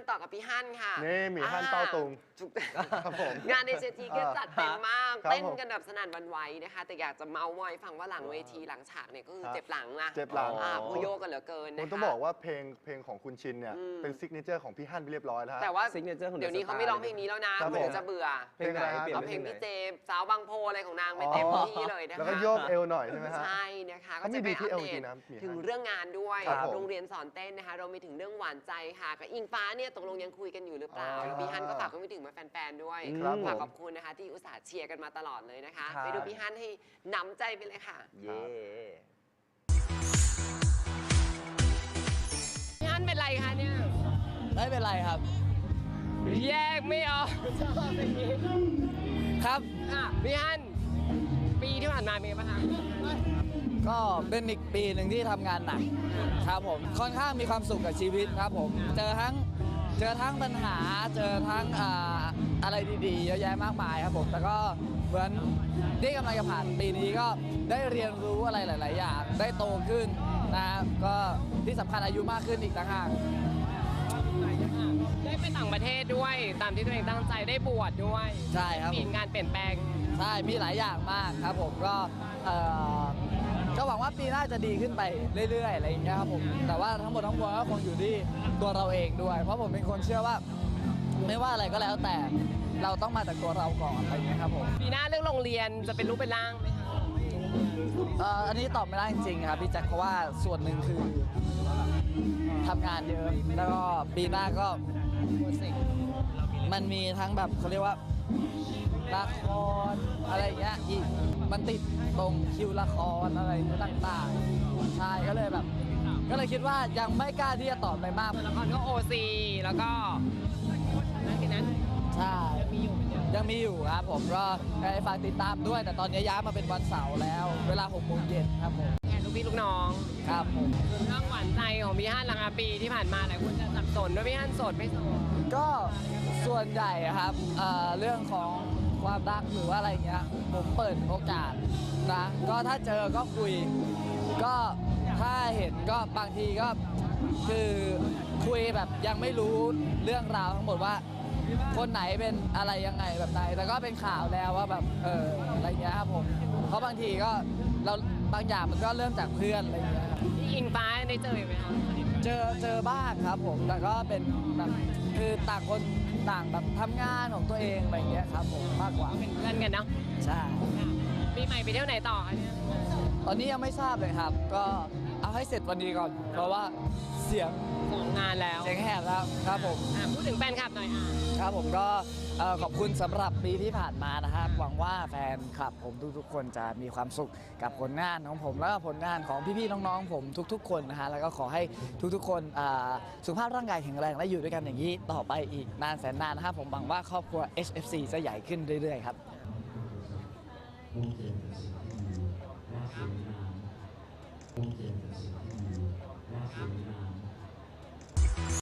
ต่อกับพี่ฮั่นค่ะนี่มีฮั่นเต้าตุงครับผมงานในเจทีก็จัดเต็มมากเต้นกันแบบสนั่นหวั่นไหวนะคะแต่อยากจะเมาส์มอยฟังว่าหลังเวทีหลังฉากเนี่ยก็คือเจ็บหลังนะเจ็บหลังพูโยกันเหลือเกินนะคะผมต้องบอกว่าเพลงของคุณชินเนี่ยเป็นซิกเนเจอร์ของพี่ฮั่นไปเรียบร้อยแล้วแต่ว่าซิกเนเจอร์ของเดี๋ยวนี้เขาไม่ร้องเพลงนี้แล้วนะเดี๋ยวจะเบื่อเพลงอะไรเอาเพลงพี่เจมสาวบางโพอะไรของนางไปเต็มที่เลยนะคะแล้วก็โยกเอวหน่อยใช่ไหมฮะใช่นะคะก็จะไปอัปเดตถึงเรื่องงานด้วยโรงเรียนสอนเต้นนะคะเราไปถึงเรื่องหวานใจค่ะกับอิงฟ้าเนี่ยตกลงยังคุยกันอยู่หรือเปล่าพี่ฮั่นก็ฝากไปถึงมาแฟนๆด้วยฝากขอบคุณนะคะที่อุตส่าห์เชียร์กันมาตลอดเลยนะคะไปดูพี่ฮั่นให้น้ำใจไปเลยค่ะเย่พี่ฮั่นเป็นไรคะเนี่ยไม่เป็นไรครับแยกไม่ออกครับพี่ฮั่นปีที่ผ่านมาเป็นไงบ้างคะก็เป็นอีกปีหนึ่งที่ทำงานหนักครับผมค่อนข้างมีความสุขกับชีวิตครับผมเจอทั้งปัญหาเจอทั้งอะไรดีๆเยอะแยะมากมายครับผมแต่ก็เหมือนที่กำลังจะผ่านปีนี้ก็ได้เรียนรู้อะไรหลายๆอย่างได้โตขึ้นนะก็ที่สำคัญอายุมากขึ้นอีกต่างหากได้ไปต่างประเทศด้วยตามที่ตัวเองตั้งใจได้บวชด้วยใช่ครับมีงานเปลี่ยนแปลงใช่มีหลายอย่างมากครับผมก็หวังว่าปีหน้าจะดีขึ้นไปเรื่อยๆอะไรอย่างเงี้ยครับผมแต่ว่าทั้งหมดทั้งมวลก็คงอยู่ที่ตัวเราเองด้วยเพราะผมเป็นคนเชื่อว่าไม่ว่าอะไรก็แล้วแต่เราต้องมาจากตัวเราก่อนอะไรอย่างเงี้ยครับผมปีหน้าเรื่องโรงเรียนจะเป็นรูปเป็นร่างไหมคะอันนี้ตอบไม่ได้จริงๆครับพี่แจ็คเพราะว่าส่วนหนึ่งคือทำงานเยอะแล้วก็ปีหน้าก็มันมีทั้งแบบเขาเรียกว่าละครอะไรอย่างเงี้ยอีกมันติดตรงคิวละครอะไรต่างๆใช่ก็เลยคิดว่ายังไม่กล้าที่จะตอบอะไรมากละครก็OCแล้วก็นั่นคือนั้นใช่ยังมีอยู่ครับผมก็ให้ฝากติดตามด้วยแต่ตอนนี้ย้ายมาเป็นวันเสาร์แล้วเวลา 6 โมงเย็นครับผมแทนลูกพี่ลูกน้องครับผมเรื่องหวานใจของพี่ฮั่นหลังปีที่ผ่านมาหลายคนจะสับสนว่าพี่ฮั่นโสดไม่โสดก็ส่วนใหญ่ครับเรื่องของความรักหรือว่าอะไรเงี้ยผมเปิดโอกาสนะก็ถ้าเจอก็คุยก็ถ้าเห็นก็บางทีก็คือคุยแบบยังไม่รู้เรื่องราวทั้งหมดว่าคนไหนเป็นอะไรยังไงแบบไหนแต่ก็เป็นข่าวแล้วว่าแบบอะไรเงี้ยครับผมเพราะบางทีก็เราบางอย่างมันก็เริ่มจากเพื่อนอะไรเงี้ยครับพี่อิงฟ้าได้เจอไหมครับเจอบ้างครับผมแต่ก็เป็นแบบคือต่างคนต่างแบบทำงานของตัวเองอะไรเงี้ยครับผมมากกว่าเป็นเพื่อนกันเนาะใช่ปีใหม่ไปเที่ยวไหนต่อคะเนี่ยตอนนี้ยังไม่ทราบเลยครับก็เอาให้เสร็จวันนี้ก่อนเพราะว่าเสียงของงานแล้วเสียงแหบแล้วครับผมพูดถึงแฟนคลับหน่อยครับผมก็ขอบคุณสำหรับปีที่ผ่านมานะครับหวังว่าแฟนคลับผมทุกๆคนจะมีความสุขกับผลงานของผมแล้วก็ผลงานของพี่ๆน้องๆผมทุกๆคนนะฮะแล้วก็ขอให้ทุกๆคนสุขภาพร่างกายแข็งแรงและอยู่ด้วยกันอย่างนี้ต่อไปอีกนานแสนนานนะครับผมหวังว่าครอบครัว HFC จะใหญ่ขึ้นเรื่อยๆครับค